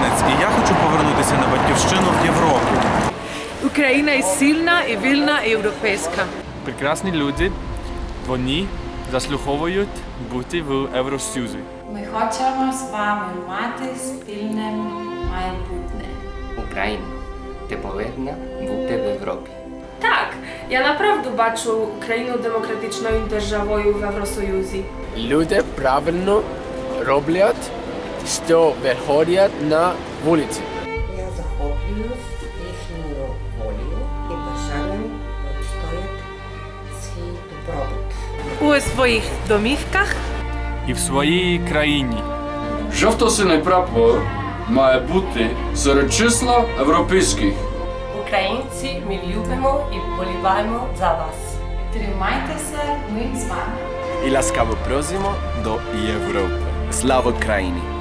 українець, і я хочу повернутися на батьківщину в Європу. Україна є сильна і вільна і європейська. Прекрасні люди, вони заслуговують бути в Євросоюзі. Ми хочемо з вами мати спільне майбутнє. Україна, ти повинна бути в Європі. Так, я naprawdę бачу країну демократичною державою в Євросоюзі. Люди правильно роблять, що виходять на вулиці. Я захоплююсь їхньою волею і бажанням відстояти свій добробут. У своїх домівках І в своїй країні. Жовто-синій прапор має бути серед числа європейських. Українці, ми любимо і вболіваємо за вас. Тримайтеся, ми з вами. І ласкаво просимо до Європи. Слава Україні!